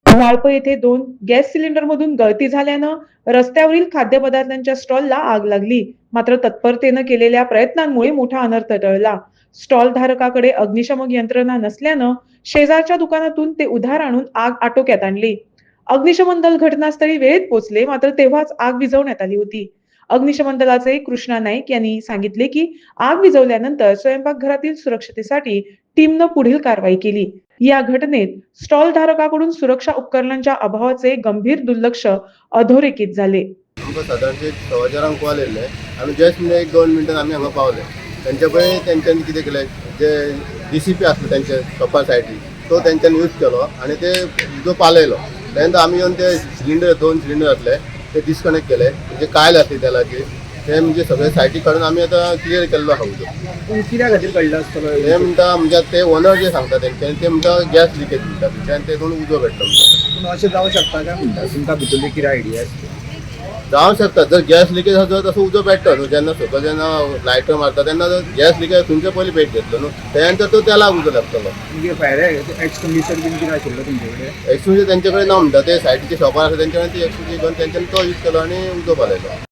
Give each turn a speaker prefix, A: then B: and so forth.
A: वाळप येथे 2 गॅस सिलेंडरमधून गळती झाल्यानं रस्त्यावरील खाद्यपदार्थांच्या स्टॉलला आग लागली. मात्र तत्परतेनं केलेल्या प्रयत्नांमुळे मोठा अनर्थ टळला. स्टॉल धारकाकडे अग्निशमक यंत्रणा नसल्यानं शेजारच्या दुकानातून ते उधार आणून आग आटोक्यात आणली. अग्निशमन दल घटनास्थळी वेळेत पोहोचले, मात्र तेव्हाच आग विझवण्यात आली होती. अग्निशमन दलाचे कृष्णा नाईक यांनी सांगितले की आग विझवल्यानंतर स्वयंपाकघरातील सुरक्षतेसाठी टीमनं पुढील कारवाई केली. या घटनेत स्टॉल धारकाकडून सुरक्षा उपकरणांच्या अभावाचे गंभीर दुर्लक्ष अधोरेखित झाले.
B: आमकां सादारणशे 6:15 कॉल येयल्ले आमी जस्ट 1-2 मिनटान आमी हांगा पावले. तेंचे पळय तेंच्यांनी कितें केलें, जे DCP आसलो तेंचे शॉपा सायडीन तो तेंच्यांनी यूज केलो आनी ते उजो पालयलो. तेन्ना आमी येवन ते सिलिंडर 2 सिलिंडर आसले ते डिस्कनेक्ट केले, म्हणजे कायल आसली तेलाची ते म्हणजे सगळे सायटी काडून आमी आतां क्लियर केल्लो आहा उजो.
C: पूण कित्या खातीर कळ्ळें आसतलो
B: ते म्हणटा म्हणजे ते ओनर जे सांगता तेंच्यांनी ते म्हणटा गॅस लिकेज म्हणटा तेंच्यानी तेतून उजो भेटलो म्हणटा.
C: पूण अशें जावं शकता काय म्हणटा तुमकां भितरली कितें आयडिया आसता?
B: जावं शकता जर गॅस लिकेज आसा तसो उजो पेट्टा न्हू. जेन्ना सकयल जेन्ना लायटर मारता तेन्ना जर गॅस लिकेज थंयचे पयलीं पेट घेतलो न्हू, त्यानंतर तो तेलाक उजो लागतलो.
C: म्हणजे फायर एक्सटिंग्विशर बीन कितें आशिल्लो तुमचे कडेन?
B: एक्सक्लुजीव तेंचे कडेन ना म्हणटा, ते सायडीचे शॉपार आसा तेंच्या कडेन ती एक्सक्लुजीव घेवन तेंच्यांनी तो यूज केलो आनी उजो पालयलो.